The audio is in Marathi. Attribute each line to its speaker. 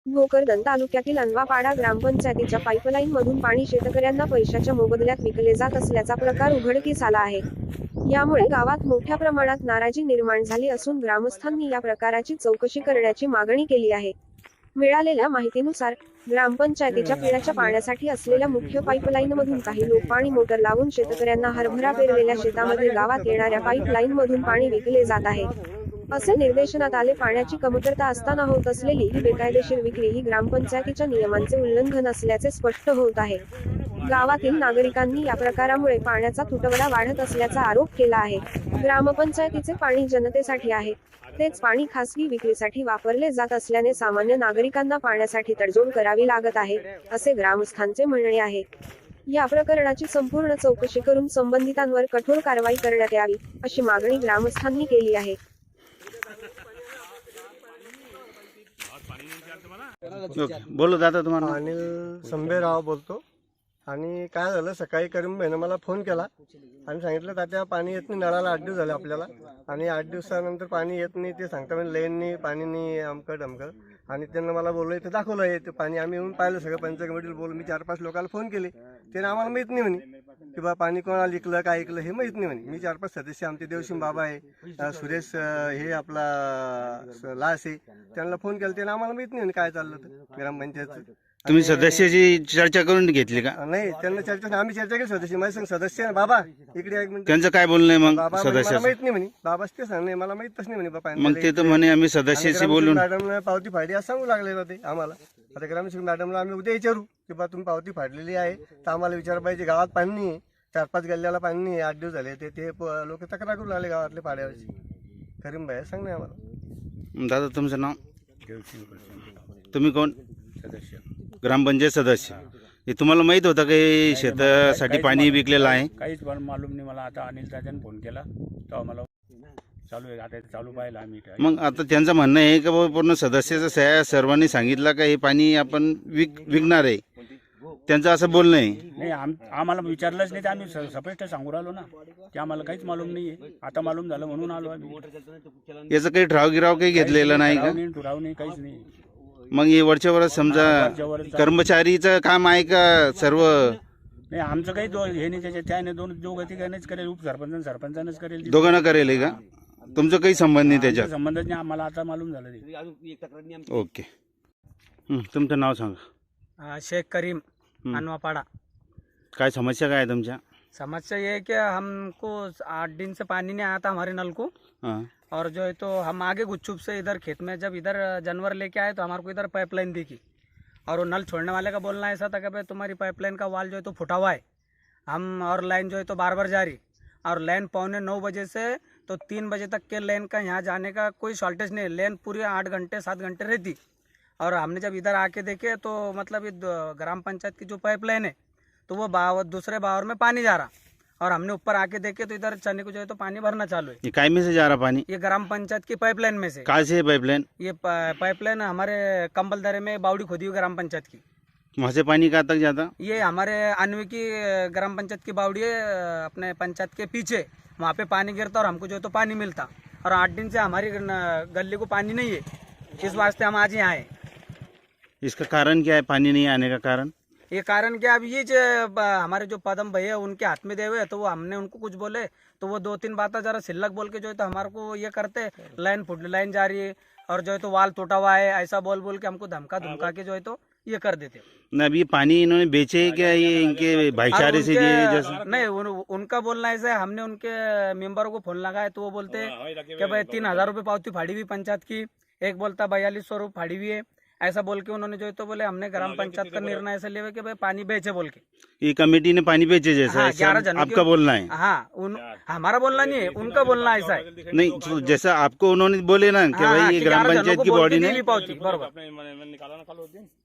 Speaker 1: भोकरदन तालुक्यातील अनवापाडा ग्रामपंचायतीच्या पाईपलाईन मधून पाणी शेतकऱ्यांना पैशाच्या मोबदल्यात विकले जात असल्याचा प्रकार उघडकीस आला आहे। यामुळे गावात मोठ्या प्रमाणात नाराजी निर्माण झाली असून ग्रामस्थांनी या प्रकाराची चौकशी करण्याची मागणी केली आहे। मिळालेल्या माहितीनुसार ग्रामपंचायतीच्या पिण्याच्या पाण्यासाठी असलेल्या मुख्य पाईपलाईनमधून काही लोक पाणी मोटर लावून शेतकऱ्यांना हरभरा पेरलेल्या शेतामध्ये गावात येणाऱ्या पाईपलाईनमधून पाणी विकले जात आहे, असे निर्देशनात आले। पाण्याची कमतरता असताना होत असलेली ही बेकायदेशीर विक्री ही ग्रामपंचायतीच्या नियमांचे उल्लंघन असल्याचे स्पष्ट होत आहे। गावातील नागरिकांनी या प्रकारामुळे पाण्याचा तुटवडा वाढत असल्याचा आरोप केला आहे। ग्रामपंचायतीचे पाणी जनतेसाठी आहे, तेच पाणी खासगी विक्रीसाठी वापरले जात असल्याने सामान्य नागरिकांना पाण्यासाठी तडजोड करावी लागत आहे, असे ग्रामस्थांचे म्हणणे आहे। या प्रकरणाची संपूर्ण चौकशी करून संबंधितांवर कठोर कारवाई करण्यात यावी, अशी मागणी ग्रामस्थांनी केली आहे।
Speaker 2: बोलो दादा, तुम्हाला
Speaker 3: अनिल संभेराव बोलतो। आणि काय झालं, सकाळी करीम भाईनं मला फोन केला आणि सांगितलं तात्या पाणी येत नाही, नळाला 8 दिवस झाले आपल्याला आणि 8 दिवसानंतर पाणी येत नाही, ते सांगता म्हणजे लाईननी पाणी नाही, अमकं डमकं। आणि त्यांना मला बोललं इथं दाखवलं आहे ते पाणी, आम्ही येऊन पाहिलं सगळं पंचायत कमिटीला बोलून मी 4-5 लोकांना फोन केले, त्याने आम्हाला माहीत नाही म्हणे की बा पाणी कोणाला ऐकलं काय ऐकलं हे माहीत नाही म्हणे। मी 4-5 सदस्य आमचे देवशिम बाबा आहे, सुरेश हे आपला लास आहे, त्यांना फोन केला, त्याने आम्हाला माहीत नाही म्हणे काय चाललं तर ग्रामपंचायतचं।
Speaker 2: तुम्ही सदस्याची चर्चा करून घेतली का?
Speaker 3: नाही, त्यांना चर्चा आम्ही चर्चा केली सदस्य, माझे संग सदस्य आहे बाबा, इकडे 1 मिनिट।
Speaker 2: त्यांचं काय बोलणं आहे मग
Speaker 3: बाबा
Speaker 2: सदस्य?
Speaker 3: मला माहित नाही म्हणे, बाबाच ते सांगणे मला माहितच नाही म्हणे बाबा।
Speaker 2: मग ते तर म्हणे आम्ही सदस्याशी बोलून
Speaker 3: मॅडमला पावती फाडली असं सांगू लागलेलं ते आम्हाला। आता ग्रामसेवक मॅडमला आम्ही उद्या विचारू की बा तुम्ही पावती फाडलेली आहे तर आम्हाला विचार पाहिजे, गावात पाणी नाही, 4-5 गल्ल्याला पाणी नाही, 8 दिवस झाले, ते लोक तक्रार करू लागले गावातले पाड्यावरची। करीम भाई सांगणे आम्हाला।
Speaker 2: दादा तुमचं नाव? तुम्ही कोण?
Speaker 4: सदस्य
Speaker 2: ग्रामपंचायत सदस्य। हे तुम्हाला माहित होतं की शेतासाठी पाणी विकलेलं आहे?
Speaker 4: काहीच मालूम नाही मला। आता अनिल दादाने फोन केला तेव्हा मला चालू आहे, आता चालू पाहिलं आम्ही।
Speaker 2: मग आता त्यांचं म्हणणं आहे की बाबा पूर्ण सदस्याचं सह्या सर्वांनी सांगितलं का हे पाणी आपण विकणार आहे, त्यांचं असं बोलणं आहे।
Speaker 4: नाही, आम्हाला विचारलंच नाही, ते आम्ही स्पष्ट सांगू राहिलो ना की आम्हाला काहीच मालूम नाही आहे। आता मालूम झालं म्हणून आलो आम्ही।
Speaker 2: याचं काही ठराव गिराव काही घेतलेलं नाही का?
Speaker 4: ठराव नाही, काहीच नाही।
Speaker 2: मग हे वरच्या वर समजा कर्मचारीचं काम आहे का सर्व?
Speaker 4: नाही, आमचं काही हे नाही त्याच्यात, त्याने दोघं तिघांनीच करेल, उपसरपंच सरपंचानेच करेल,
Speaker 2: दोघांना करेल आहे का? तुमचं काही संबंध नाही त्याच्यात?
Speaker 4: संबंधच नाही आम्हाला, आता मालूम झालं ते।
Speaker 2: ओके, तुमचं नाव सांगा।
Speaker 5: शेख करीम, अनवापाड़ा।
Speaker 2: काय समस्या काय आहे तुमच्या?
Speaker 5: समस्या ये है कि हमको 8 दिन से पानी नहीं आया था हमारे नल को।
Speaker 2: हाँ।
Speaker 5: और जो है तो हम आगे गुच्छुप से इधर खेत में जब इधर जानवर लेके आए तो हमारे को इधर पाइपलाइन दिखी और वो नल छोड़ने वाले का बोलना ऐसा था कि भाई तुम्हारी पाइपलाइन का वाल जो है तो फुटा हुआ है। हम और लाइन जो है तो बार बार जा रही, और लाइन 8:45 बजे से तो 3 बजे तक के लाइन का यहाँ जाने का कोई शॉर्टेज नहीं है, लाइन पूरी 8 घंटे 7 घंटे रहती। और हमने जब इधर आके देखे तो मतलब ये ग्राम पंचायत की जो पाइपलाइन है तो वो दूसरे बावर में पानी जा रहा, और हमने ऊपर आके देखे तो इधर चने को जो है तो पानी भरना चालू है।
Speaker 2: ये काय में से जा रहा पानी?
Speaker 5: ये ग्राम पंचायत की पाइपलाइन में से।
Speaker 2: कहाँ से है पाइपलाइन?
Speaker 5: ये पाइपलाइन हमारे कंबल दरे में बावड़ी खोदी हुई ग्राम पंचायत की।
Speaker 2: वहाँ से पानी कहाँ तक जाता?
Speaker 5: ये हमारे अनवी की ग्राम पंचायत की बावड़ी है, अपने पंचायत के पीछे, वहाँ पे पानी गिरता और हमको जो है तो पानी मिलता। और 8 दिन से हमारी गली को पानी नहीं है, इस वास्ते हम आज यहाँ आए।
Speaker 2: इसका कारण क्या है, पानी नहीं आने का कारण?
Speaker 5: ये कारण क्या, अब ये जो हमारे जो पदम भैया उनके हाथ में दे हुए, तो वो हमने उनको कुछ बोले तो वो 2-3 बातें जरा सिल्लक बोल के जो है तो हमारे को ये करते, लाइन जा रही है और जो है तो वाल टूटा हुआ है, ऐसा बोल के हमको धमका के जो है तो ये कर देते।
Speaker 2: न अभी पानी इन्होंने बेचे क्या, ये इनके भाईचारे से दिए जैसे?
Speaker 5: नहीं, उनका बोलना ऐसा है, हमने उनके मेंबरों को फोन लगाया तो वो बोलते कि भाई 3000 रुपये पावती फाड़ी हुई पंचायत की, एक बोलता 4200 रुपये फाड़ी हुई है, ऐसा बोल के उन्होंने जो है तो बोले हमने ग्राम पंचायत का निर्णय ऐसा लिया कि भाई पानी बेचे बोल के।
Speaker 2: ये कमेटी ने पानी बेचे जैसा?
Speaker 5: हाँ,
Speaker 2: ऐसा
Speaker 5: 11 जनों
Speaker 2: आपका बोलना है?
Speaker 5: हाँ, हमारा बोलना नहीं है, उनका बोलना ऐसा है।
Speaker 2: नहीं, तो जैसा आपको उन्होंने बोले ना कि भाई ये ग्राम पंचायत की बॉडी ने
Speaker 5: पावती बरोबर